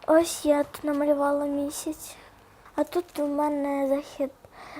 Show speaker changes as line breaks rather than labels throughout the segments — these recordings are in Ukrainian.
Ось я тут намалювала місяць, а тут у мене захід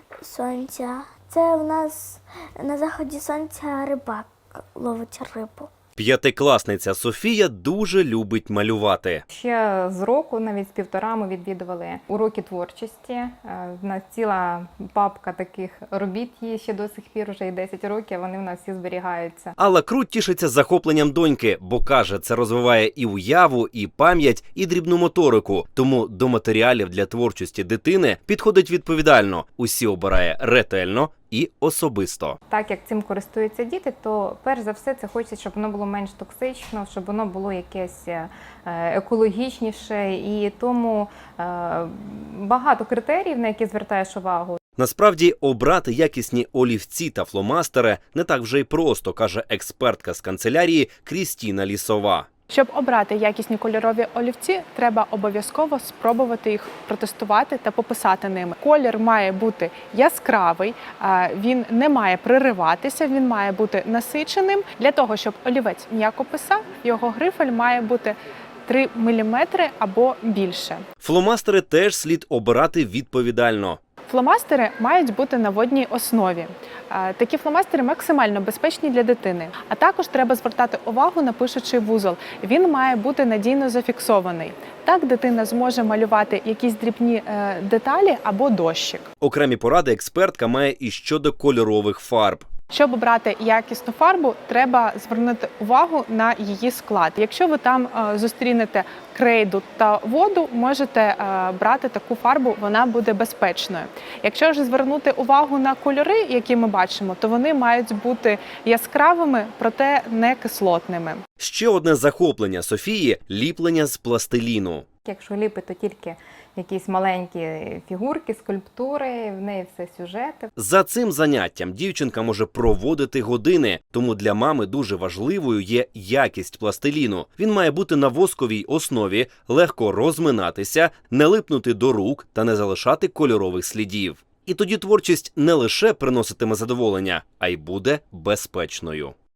сонця. Це в нас на заході сонця рибак ловить рибу.
П'ятикласниця Софія дуже любить малювати.
Ще з року, навіть з півтора, ми відвідували уроки творчості. В нас ціла папка таких робіт є ще до сих пір, вже і 10 років, вони в нас всі зберігаються.
Алла Круть тішиться захопленням доньки, бо каже, це розвиває і уяву, і пам'ять, і дрібну моторику. Тому до матеріалів для творчості дитини підходить відповідально. Усі обирає ретельно і особисто.
Так як цим користуються діти, то перш за все це хочеться, щоб воно було менш токсично, щоб воно було якесь екологічніше, і тому багато критеріїв, на які звертаєш увагу.
Насправді, обрати якісні олівці та фломастери не так вже й просто, каже експертка з канцелярії Крістіна Лісова.
Щоб обрати якісні кольорові олівці, треба обов'язково спробувати їх протестувати та пописати ними. Колір має бути яскравий, він не має пририватися, він має бути насиченим. Для того, щоб олівець м'яко писав, його грифель має бути 3 мм або більше.
Фломастери теж слід обирати відповідально.
Фломастери мають бути на водній основі. Такі фломастери максимально безпечні для дитини. А також треба звертати увагу на пишучий вузол. Він має бути надійно зафіксований. Так дитина зможе малювати якісь дрібні деталі або дощик.
Окремі поради експертка має і щодо кольорових фарб.
Щоб обрати якісну фарбу, треба звернути увагу на її склад. Якщо ви там зустрінете крейду та воду, можете брати таку фарбу, вона буде безпечною. Якщо ж звернути увагу на кольори, які ми бачимо, то вони мають бути яскравими, проте не кислотними.
Ще одне захоплення Софії – ліплення з пластиліну.
Якщо ліпити, то тільки якісь маленькі фігурки, скульптури, в неї все сюжети.
За цим заняттям дівчинка може проводити години, тому для мами дуже важливою є якість пластиліну. Він має бути на восковій основі, легко розминатися, не липнути до рук та не залишати кольорових слідів. І тоді творчість не лише приноситиме задоволення, а й буде безпечною.